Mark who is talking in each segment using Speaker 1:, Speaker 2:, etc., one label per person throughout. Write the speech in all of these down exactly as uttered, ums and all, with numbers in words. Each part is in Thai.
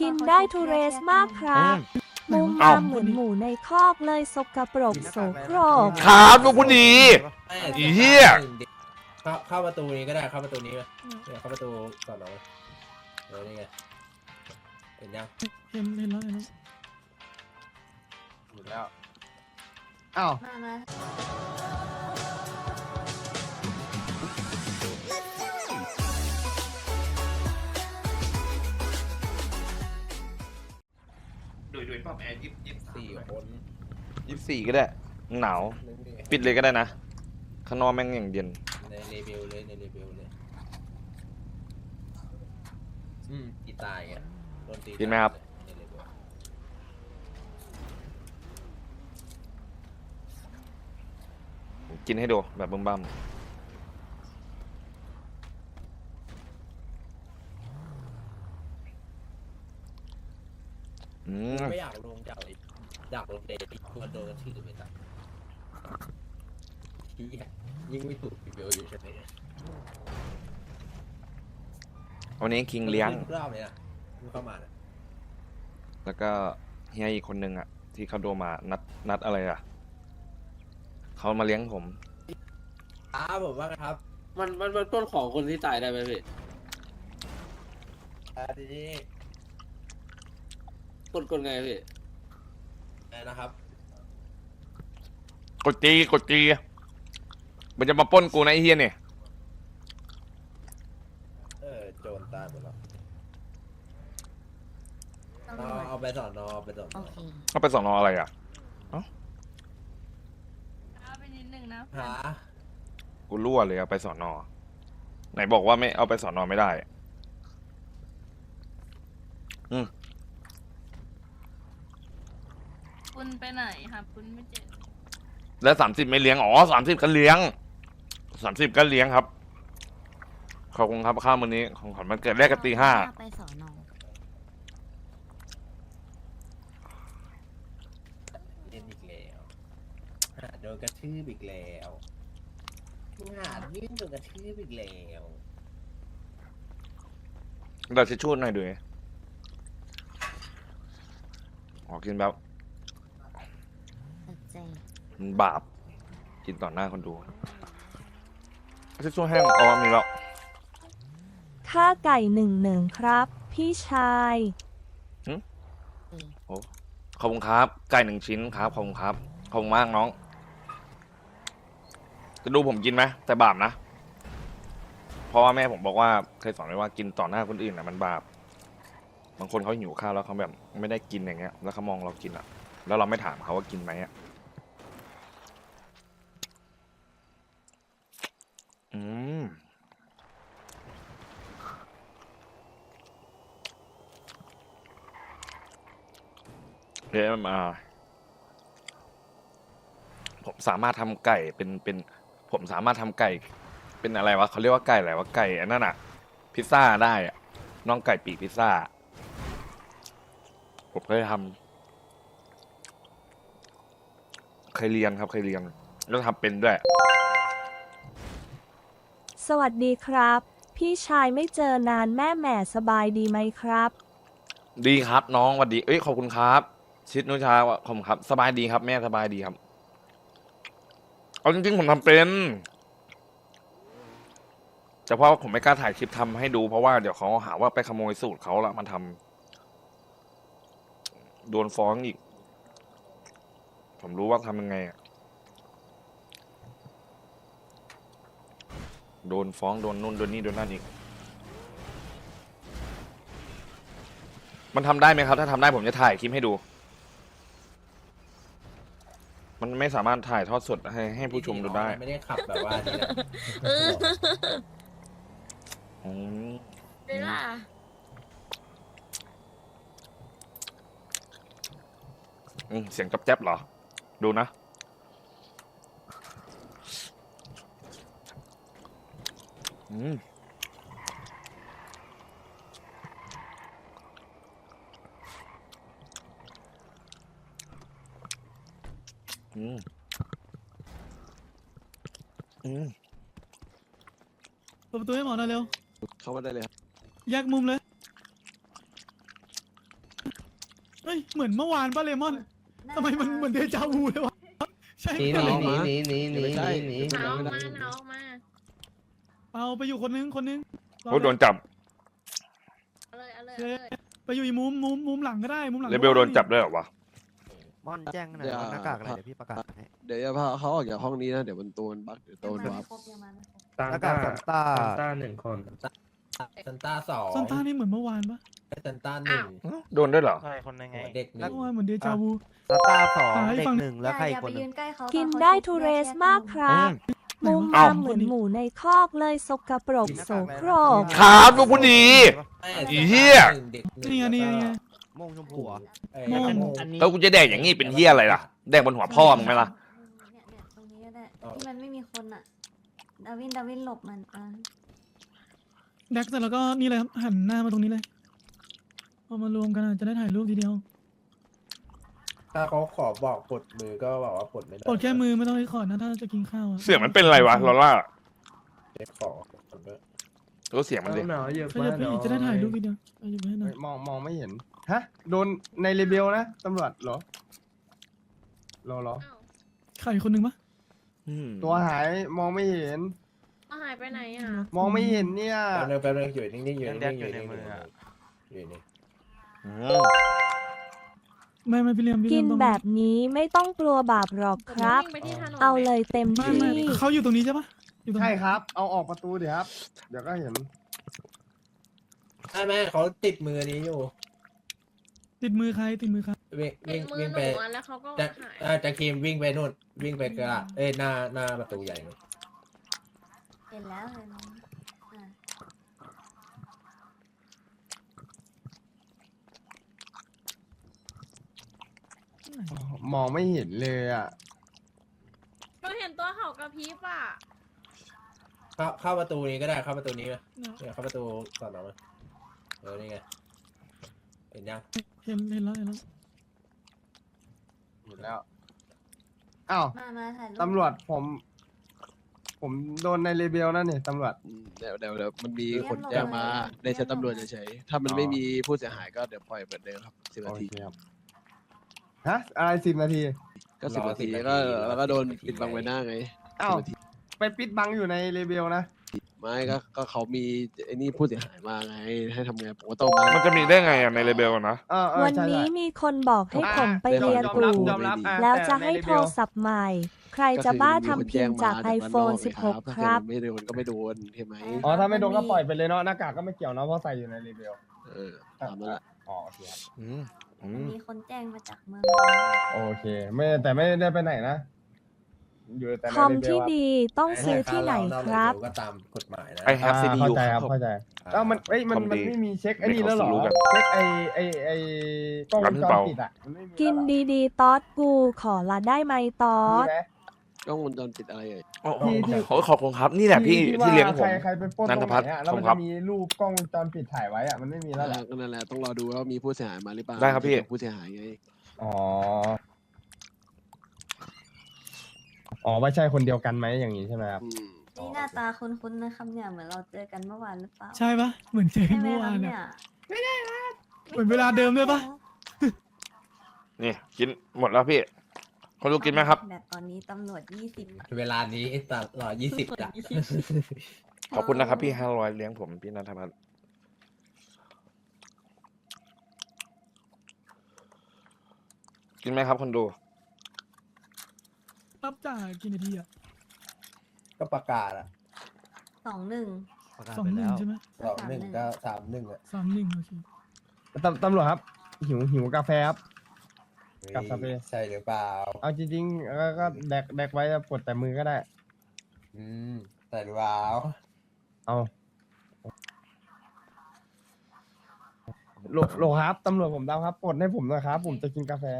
Speaker 1: กินได้ทุเรศมากครับมุม
Speaker 2: อ้าว
Speaker 1: ตามเหมือนหมูในคอกเลยสกปรกโสโครก
Speaker 2: ครับลูกผู้ดี อีเหี้ย
Speaker 3: เข้าเข้าประตูนี้ก็ได้เข้าประตูนี้ไปเนี่ยเข้าประตูก่อนเราเออนี่ไงเห็นยัง
Speaker 4: เห็นเห็นแล้วเห็นแล้ว
Speaker 3: อยู่แล้ว
Speaker 5: อ้าว
Speaker 6: มามา
Speaker 2: ดูดูป้าแม่ยิบยิบ
Speaker 3: สี่คน
Speaker 2: ยิบสี่ก็ได้ หนาว
Speaker 3: นึงดิ
Speaker 2: ปิดเลยก็ได้นะ ข้างนอกแม่งอย่างเย็น
Speaker 3: ในเลเบลเลยในเลเบลเลยอืมตีตายไงโดนตี
Speaker 2: กินไหมครับ
Speaker 3: ในเลเบล
Speaker 2: กินให้ดูแบบบึ้มบั้มอืม
Speaker 3: ไม่อยากลงจากเลยอยากลงเดทที่ควรโดนกระทืบไปตั้งที่ยิ่งไม่ถูกเลเบลอยู่ใช่ไหม
Speaker 2: วันนี้คิงเลี้ยง
Speaker 3: ทุกรอบเลยนะมึงเข้ามาน่ะ
Speaker 2: แล้วก็เฮียอีกคนนึงอ่ะ ที่เขาโดนมานัดนัดอะไรอ่ะ เขามาเลี้ยงผม
Speaker 3: ครับผมว่าครับ
Speaker 5: มันมันมันปล้นของคนที่ตายได้ไหมพี่
Speaker 3: อ่าทีนี้
Speaker 5: ปล้นกลไงพี่
Speaker 3: อะไรนะครับ
Speaker 2: กดจีกดจีมันจะมาปล้นกูนะไอ้เฮียเนี่ย
Speaker 3: เออโจรตายหมดแล้ว
Speaker 6: ตำร
Speaker 3: เอา
Speaker 6: วจ
Speaker 3: เอาไปสอนนอไปสอน
Speaker 6: โอน
Speaker 3: อ
Speaker 6: เค
Speaker 2: เขาไปสอนออะไรอ่ะ
Speaker 7: เอาไปนิดนึงนะ
Speaker 3: หา
Speaker 2: กูรั่วเลยเอาไปสอนอไหนบอกว่าไม่เอาไปสอนอไม่ได้ อืม
Speaker 7: คุณไปไหนครับ คุณไม่เจ็บ
Speaker 2: แล้วสามสิบไม่เลี้ยง อ๋อสามสิบก็เลี้ยงสามสิบก็เลี้ยงครับ ขอบคุณครับข้าวมื้อนี้ของขวัญวันเกิดแรกกันตีห้า
Speaker 6: ไปสอนอ
Speaker 3: เล่นอีกแล้วหาโดนกระทืบอีกแล้วมึงหายื่นโดนกระทืบอีกแล้ว
Speaker 2: เราจะชูดหน่อยด้วยออกกินแบบ
Speaker 6: ตัดใจ
Speaker 2: มันบาป กินต่อหน้าคนดูจะช่วยแห้งอ๋อมีแล้ว
Speaker 1: ค่าไก่หนึ่งหนึ่งครับ พี่ชาย
Speaker 2: โอ้ขอบคุณครับ ไก่หนึ่งชิ้นครับ ขอบคุณครับ ขอบคุณมากน้อง จะดูผมกินไหมแต่บาปนะ เพราะว่าแม่ผมบอกว่าเคยสอนไว้ว่ากินต่อหน้าคนอื่นนะมันบาป บางคนเขาหิวข้าวแล้วเขาแบบไม่ได้กินอย่างเงี้ย แล้วเขามองเรากินอ่ะ แล้วเราไม่ถามเขาว่ากินไหมอ่ะ อืม เดี๋ยวมาผมสามารถทำไก่เป็นเป็น ผมสามารถทำไก่ เป็นอะไรวะเขาเรียกว่าไก่อะไรวะไก่อันนั้นอะพิซซ่าได้อะน้องไก่ปีกพิซซ่า ผมเคยทำเคยเรียนครับเคยเรียนแล้วทำเป็นด้วย
Speaker 1: สวัสดีครับ พี่ชายไม่เจอนานแม่แหม่สบายดีไหมครับ
Speaker 2: ดีครับน้องสวัสดีเอ้ยขอบคุณครับ ชิดนุชาขอบคุณครับ สบายดีครับ แม่สบายดีครับเอาจริงๆผมทำเป็นแต่เพราะว่าผมไม่กล้าถ่ายคลิปทำให้ดูเพราะว่าเดี๋ยวเขาหาว่าไปขโมยสูตรเขาแล้วมาทำโดนฟ้องอีก ผมรู้ว่าทำยังไงอะโดนฟ้องโดนนู่นโดนนี่โดนนั่นอีก มันทำได้ไหมครับ ถ้าทำได้ผมจะถ่ายคลิปให้ดู มันไม่สามารถถ่ายทอดสดให้ให้ผู้ชมดูได้
Speaker 3: ไม่ได้ขับแบบว่านี่นะ
Speaker 2: อืม
Speaker 6: เวลา
Speaker 2: อืมเสียงจับแจ๊บเหรอ ดูนะ อืม อืม อืม
Speaker 4: เปิดประตูให้หมอหน่อยเร็ว
Speaker 2: เข้ามาได้เลยครับ
Speaker 4: แยกมุมเลยเฮ้ยเหมือนเมื่อวานป่ะเลมอนทำไมมันเหมือนเดจาวูเลยวะใช่
Speaker 3: หนีห
Speaker 4: เป
Speaker 3: นี
Speaker 4: ล่า
Speaker 3: หนีหนีหนีหนีหนีหนี
Speaker 6: เอาออกมาเอาออกมา
Speaker 4: เอาไปอยู่คนนึงคนนึง
Speaker 2: โอ้โดนจับ
Speaker 6: เอาเลยเอาเลยเอาเลย
Speaker 4: ไปอยู่อีกมุมมุมมุมหลังก็ได้มุมหลัง
Speaker 2: เลเบลโดนจับด้วยเหรอวะ
Speaker 8: ม่อนแจ้งหน่อย
Speaker 9: เดี๋ยว
Speaker 8: ว่าหน้ากากอะไรเดี๋ยวพี่ประกาศให้
Speaker 9: เดี๋ยวจะพาเขาออกจากห้องนี้นะ เดี๋ยวมันตัวมันบั๊กเดี๋ยวโดน
Speaker 6: ยัง
Speaker 9: วั
Speaker 6: มา
Speaker 9: บ
Speaker 6: ไม่ครบยังมาไม่ครบ
Speaker 3: ซัน
Speaker 8: หน้า
Speaker 3: ต้าก
Speaker 8: ากซันต้า
Speaker 3: ซันต้าหนึ่งคนซันต้าสอง
Speaker 4: ซานต้านี่เหมือนเมื่อวานปะ
Speaker 3: ซันต้าหนึ่ง
Speaker 2: โดนด้วยเหรอ
Speaker 8: ใช่คนยังไง
Speaker 3: เด็กหนึ่
Speaker 4: เมื่อวานเหมือนเดจาวู
Speaker 8: ซันต้าสอง
Speaker 4: หาให้
Speaker 8: เด็ก
Speaker 4: ฟัง
Speaker 8: หนึ่งแล้วใคร
Speaker 6: อ
Speaker 8: อี
Speaker 6: ย่าก
Speaker 8: ค
Speaker 6: ไป
Speaker 8: นห
Speaker 6: ยื
Speaker 8: นึ่ง
Speaker 6: นใกล้เขา
Speaker 1: กิน
Speaker 6: ตอ
Speaker 1: ได้
Speaker 6: เขา
Speaker 1: ทู
Speaker 6: ชุบ
Speaker 1: เร
Speaker 6: แยก
Speaker 1: ส
Speaker 6: แยก
Speaker 1: มากค
Speaker 6: กัน
Speaker 1: รับ
Speaker 2: อื
Speaker 1: มุ
Speaker 2: ม
Speaker 1: ม
Speaker 2: เอ้า
Speaker 1: มามเหมือนหมูในคอกเลยสกปรกโสโครก
Speaker 2: ครับลูกผู้ดี
Speaker 3: ไม่
Speaker 2: อีเหี้ย
Speaker 3: เด็กหนึ่ง
Speaker 4: นี่ไงนี่ไงนี่ไง
Speaker 8: โมงชมพูเหรอ
Speaker 3: เอ้ย
Speaker 4: โม่ง
Speaker 3: โม่ง
Speaker 2: เออกูจะแดกอย่างงี้เป็นเหี้ยอะไรล่ะ แดกบนหัวพ่อมึงไหมล่ะ
Speaker 6: เนี่ยเนี่ยตรงนี้ก็ได้ที่มันไม่มีคนอ่ะ ดาวินดาวินหลบมันอ่ะ
Speaker 4: แดกเสร็จแล้วก็นี่เลยครับหันหน้ามาตรงนี้เลยเอามารวมกันอะจะได้ถ่ายรูปทีเดียว
Speaker 3: ถ้าเขาขอบอกปลดมือก็บอกว่าปลดไม่ได้
Speaker 4: ปลดแค่มือไม่ต้องรีคอร์ดนะถ้าจะกินข้าวอะ
Speaker 2: เสียงมันเป็นอะไรวะลอล่า
Speaker 3: เด็กขอปลดด้วย
Speaker 2: รู้เสียงมันดิ
Speaker 10: หนาวเยอะ
Speaker 4: ขยับไปอีกจะได้ถ่ายรูปทีเดียวเอาอยู่ให้หน่อย
Speaker 10: มองมองไม่เห็น ฮะ โดนในเรเบลนะตำรวจเหรอเหรอเหรอ
Speaker 6: อ้าว
Speaker 4: ใครคนหนึ่งปะ
Speaker 2: อืม
Speaker 10: ตัวหายมองไม่เห็น
Speaker 6: เอาหายไปไหนอ่ะ
Speaker 10: มองไม่เห็นเนี่ย
Speaker 3: แป๊บนึงแป๊บนึงอยู่นิ่งๆอยู่
Speaker 8: ยัง
Speaker 3: นิ่
Speaker 8: แดก
Speaker 3: งๆ
Speaker 8: อ
Speaker 3: อยู่ ยู่
Speaker 8: ใน
Speaker 3: นิ่งๆ
Speaker 8: มืออะ
Speaker 3: อยู่นิ่ง
Speaker 2: อืม
Speaker 4: ไม่ไม่พี่เลียมพี่
Speaker 1: กิ
Speaker 4: เลีย
Speaker 1: น
Speaker 4: มต้อง
Speaker 1: แบบนี้ไม่ต้องกลัวบาปหรอกครับ
Speaker 6: วิ่งไปที่ถนน
Speaker 1: เอาเลยเต็ม
Speaker 4: ไม่
Speaker 1: ที่
Speaker 4: ไม่เขาอยู่ตรงนี้ใช่ปะอยู่ตรง
Speaker 10: ใช่
Speaker 4: นี้
Speaker 10: ครับ เอาออกประตูเดี๋ยวครับ เดี๋ยวก็เห็น
Speaker 3: ๆใช่ไหมเขาติดมือนี้อยู่
Speaker 4: ติดมือใครติดมือใคร
Speaker 3: วิ่ง
Speaker 6: เป็น
Speaker 3: วิ่ง
Speaker 6: มือ
Speaker 3: วิ่ง
Speaker 6: ห
Speaker 3: ไป
Speaker 6: นูอะแล้วเขาก็
Speaker 3: จะ
Speaker 6: หาย
Speaker 3: เอ่อจะครีมวิ่งไปนู่นวิ่งไปกระดาษเอ้ยหน้าหน้าประตูใหญ่นู่น
Speaker 6: เห็นแล้วเห็นแล้วอ่ะ
Speaker 10: มองไม่เห็นเลยอ่ะ
Speaker 6: ก็เห็นตัวเขากระพริบอ่ะ
Speaker 3: เข้าเข้าประตูนี้ก็ได้เข้าประตูนี้ไหมเนี่ยเข้าประตูก่อนหรอไหมเออนี่ไงเห็นยัง
Speaker 4: เห็นเห็นแล้วเห็นแล้ว
Speaker 10: เห็นแล้ว อ้าว
Speaker 6: มามาถ่ายรูป
Speaker 10: ตำรวจผม ผมโดนในเรเบลนั่นนี่ตำรวจ
Speaker 9: อืมเดี๋ยวเดี๋ยวเดี๋ยวมันมีคนแจ้งมาในชั้นตำรวจเฉยๆถ้ามันไม่มีผู้เสียหายก็เดี๋ยวปล่อยเหมือนเดิมครับสิบ
Speaker 10: โอ
Speaker 9: นาที
Speaker 10: เคครับ ฮะ อะไรสิบนาที
Speaker 9: ก็สิบนาทีก็แล้วก็โดนปิดบังใบหน้าไง
Speaker 10: อ้าว
Speaker 9: สิบนาที
Speaker 10: ไปปิดบังอยู่ในเรเบลนะ
Speaker 9: ไม่ก็ก็เขามีไอ้นี่ผู้เสียหายมาไงให้ทำไงผมก็ต้องมา
Speaker 2: มันจะมีได้ไงอ่ะในเลเบลนะ
Speaker 10: เออเออ
Speaker 1: วัน
Speaker 10: ใช่
Speaker 1: นี้
Speaker 10: ใช่
Speaker 1: มีคนบอกให้ผมไป
Speaker 9: อ่ะ
Speaker 1: เรียน
Speaker 10: ยอม
Speaker 1: กู
Speaker 10: รับยอมรับอ่
Speaker 1: แล้ว
Speaker 10: ต่
Speaker 1: จะให้
Speaker 10: ใน
Speaker 1: โทรศัพท์ใหม่ ใครจะบ้าทำพิมพ์จาก iPhone สิบหก
Speaker 9: ถ้า
Speaker 1: ค
Speaker 9: เกิด
Speaker 1: รับ
Speaker 9: มันไม่โดนก็ไม่โดนใช่ไหม
Speaker 10: อ๋อ ถ้าไม่โดนก็ปล่อยไปเลยเนาะ หน้ากากก็ไม่เกี่ยวเนาะ เพราะใส่อยู่ในเรเบล
Speaker 9: เออตามนั้นแหละ
Speaker 10: อ๋อ โอเคครับ
Speaker 2: อืมอืม
Speaker 6: มีคนแจ้งมาจากเมือง
Speaker 10: โอเค ไม่แต่ไม่ได้ไปไหนนะ อยู่แต่ใน
Speaker 1: คอม
Speaker 10: เรเบล
Speaker 1: ที่
Speaker 10: อะ
Speaker 1: ดีต้องซื้อที่ไหนครับ
Speaker 3: ก็ตามกฎหมายนะ
Speaker 2: ไอแฮปซี
Speaker 10: อ่า
Speaker 2: ดี
Speaker 10: เข้า
Speaker 2: ยู
Speaker 10: ใจครับ
Speaker 2: ครับ
Speaker 10: เข้าใจแล้วมันเอ้ย มัน
Speaker 2: คอม
Speaker 10: มัน
Speaker 2: ดี
Speaker 10: ไม่มีเช็คไอ้นี่แล้วเหรอ
Speaker 2: ไม่เขาซื้อกัน
Speaker 10: เช็คไอ้ไอ้ไอ้กล้องวงจร
Speaker 2: ร้านเปล่า
Speaker 10: ปิดอ่ะมันไม่มี
Speaker 1: กิน
Speaker 10: แล้วเหรอ
Speaker 1: ดีๆ ตอดกูขอละได้ไหมตอ
Speaker 10: มี
Speaker 1: ด
Speaker 10: ไหม
Speaker 9: กล้องวงจรปิดอะไรเอ่ย
Speaker 2: โอ้โห
Speaker 10: ที่ที่
Speaker 2: โอ้ยขอบคุณครับ นี่แหละพี่ที่เลี้ยงผม
Speaker 10: ใครใครไปปล้น
Speaker 2: นั
Speaker 10: ต
Speaker 2: น
Speaker 10: ร
Speaker 2: ท
Speaker 10: ง
Speaker 2: พั
Speaker 10: ไห
Speaker 2: ฒน์
Speaker 10: นอ่ะแล้วมัน
Speaker 2: ขอบคุณครั
Speaker 10: จะ
Speaker 2: บ
Speaker 10: มีรูปกล้องวงจรปิดถ่ายไว้อ่ะมันไม่มีแล้วแหละ
Speaker 9: ก็นั่นแหละต้องรอดูว่ามีผู้เสียหายมาหรือเปล่า
Speaker 2: ได้ครับพี่
Speaker 9: ผู้เสียหายไง
Speaker 10: อ๋ออ๋อไม่ใช่คนเดียวกันไหมอย่างนี้ใช่ไหมครับ
Speaker 9: อืม
Speaker 6: นี่หน้าตาคุ้นๆนะครับเนี่ยเหมือนเราเจอกันเมื่อวานหรือเปล่า
Speaker 4: ใช่ปะเหมือนเจอกัน
Speaker 6: ใช่ไหม
Speaker 4: เมื่อ
Speaker 6: ครั
Speaker 4: วา
Speaker 6: บ
Speaker 4: น
Speaker 6: เนี่
Speaker 4: อะ
Speaker 6: ย
Speaker 4: เหมือนเวลาเดิมด้วยปะ
Speaker 2: นี่กินหมดแล้วพี่คนดูกินไหมครับ
Speaker 6: แบบตอนนี้ตำรวจยี่สิบ
Speaker 3: เวลานี้ตลอดยี่สิบจ้ะ
Speaker 2: ขอบคุณนะครับพี่ห้าร้อยเลี้ยงผมพี่นันทพัฒน์กินไหมครับคนดู
Speaker 4: รับจ่ายกี่นาทีอะ
Speaker 3: ก็ประกาศอะ
Speaker 6: สองหนึ่ง
Speaker 8: ประกาศ
Speaker 4: สอง
Speaker 8: ไป
Speaker 4: หนึ่
Speaker 8: แล้
Speaker 4: ง
Speaker 8: ว
Speaker 4: ใช่ไหม
Speaker 3: สองหนึ่งก็สามหนึ่งอะ
Speaker 4: สามหนึ่งโอเค
Speaker 10: ตำตำรวจครับ หิวหิวกาแฟครับ กลับสเปรย์
Speaker 3: ใช่หรือเปล่า
Speaker 10: เอาจริงๆก็ก็แดกแดกไว้ปลดแต่มือก็ได้
Speaker 3: อืมใช่หรือเปล่า
Speaker 10: เอาโหลโหลครับตำรวจผมดาวครับปลดให้ผมหน่อยครับ ผมจะกินกาแฟ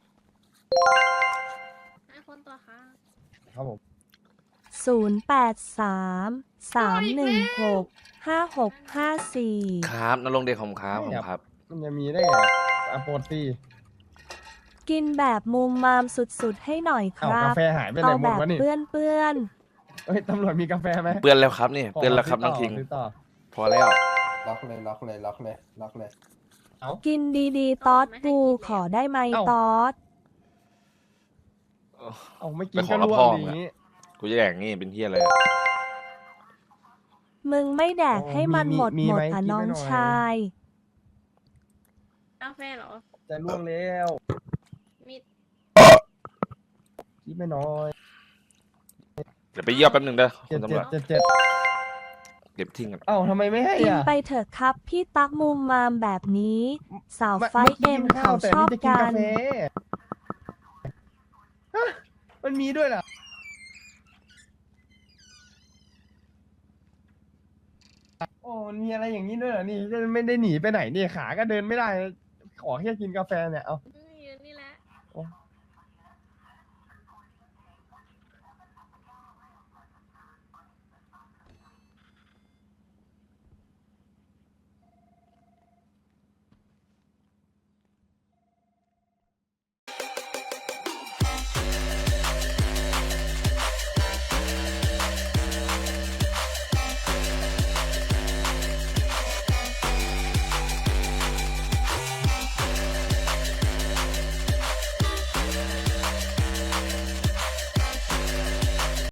Speaker 6: ให้คนตัวค่ะ
Speaker 10: ครับผม
Speaker 1: ศูนย์ แปด สาม สาม หนึ่ง หก ห้า หก ห้า สี่
Speaker 2: ครับนรงค์เดชผมครับผมครับ
Speaker 10: มันจะมีได้ไงอะปลดสิ
Speaker 1: กินแบบมุมมามสุดๆให้หน่อยค
Speaker 10: เอา
Speaker 1: รั
Speaker 10: กา
Speaker 1: บ
Speaker 10: แฟหายไปไหน
Speaker 1: เอา
Speaker 10: หม
Speaker 1: แบ
Speaker 10: ด
Speaker 1: บ
Speaker 10: วะนี่
Speaker 1: เปื้อนเปื้อน
Speaker 10: เฮ้ยตำรวจมีกาแฟไหม
Speaker 2: เปื้อนแล้วครับนี่
Speaker 10: ข
Speaker 2: เปื้อนแล้วครับ
Speaker 10: ข
Speaker 2: น้อง
Speaker 10: ซื้
Speaker 2: คิง
Speaker 10: ซื้อต่อ
Speaker 2: พอแล้ว
Speaker 3: ล็อกเลยล็อกเลยล็อกเลยล็อกเลย
Speaker 1: กินดีๆ ตอดกูขอได้ไหม
Speaker 10: เอ้า
Speaker 1: ตอด
Speaker 10: เอาไม่กิ
Speaker 2: ไป
Speaker 10: น
Speaker 2: ขอ
Speaker 10: ก็
Speaker 2: รับ
Speaker 10: ร่ว
Speaker 2: พ่
Speaker 10: ง
Speaker 2: อ
Speaker 10: ดี
Speaker 2: มึง
Speaker 10: นี้
Speaker 2: อะกูจะแดกงี้เป็นเฮียอะไรอะ
Speaker 1: มึงไม่แดก
Speaker 10: โอ้
Speaker 1: ให้มัน
Speaker 10: มี
Speaker 1: หมด
Speaker 10: มี
Speaker 1: หมด
Speaker 10: ไหม
Speaker 1: อ่ะ
Speaker 10: กิน
Speaker 1: น้อง
Speaker 10: ไว้หน่อย
Speaker 1: ชาย
Speaker 7: กาแฟเหรอ
Speaker 10: จะร่วงแล้ว
Speaker 7: มี
Speaker 10: คิดไม่น้อย
Speaker 2: เดี๋ยวไปเยี่ยวแป๊บนึงเด้อคุ
Speaker 10: เจ็ด
Speaker 2: ณตำ
Speaker 10: เจ็
Speaker 2: ร
Speaker 10: ด
Speaker 2: วจ
Speaker 10: เจ็ดเจ็ด
Speaker 2: เก็บทิ้งกัน
Speaker 10: เอ้าทำไมไม่ให้
Speaker 1: กิน
Speaker 10: อ่ะ
Speaker 1: ไปเถอะครับ พี่ตักมุมมามแบบนี้ สาว
Speaker 10: ไม่
Speaker 1: ไฟ
Speaker 10: ไม่
Speaker 1: เอ็ม
Speaker 10: กินข้า
Speaker 1: เขา
Speaker 10: วแต่
Speaker 1: ชอบ
Speaker 10: นี่จะกิน
Speaker 1: กั
Speaker 10: กาน แฟฮะมันมีด้วยเหรอโอ้มันมีอะไรอย่างนี้ด้วยเหรอนี่จะไม่ได้หนีไปไหนนี่ขาก็เดินไม่ได้ ขอแค่กินกาแฟเนี่ยเอา
Speaker 7: ยืนนี่แหละ
Speaker 10: โอ้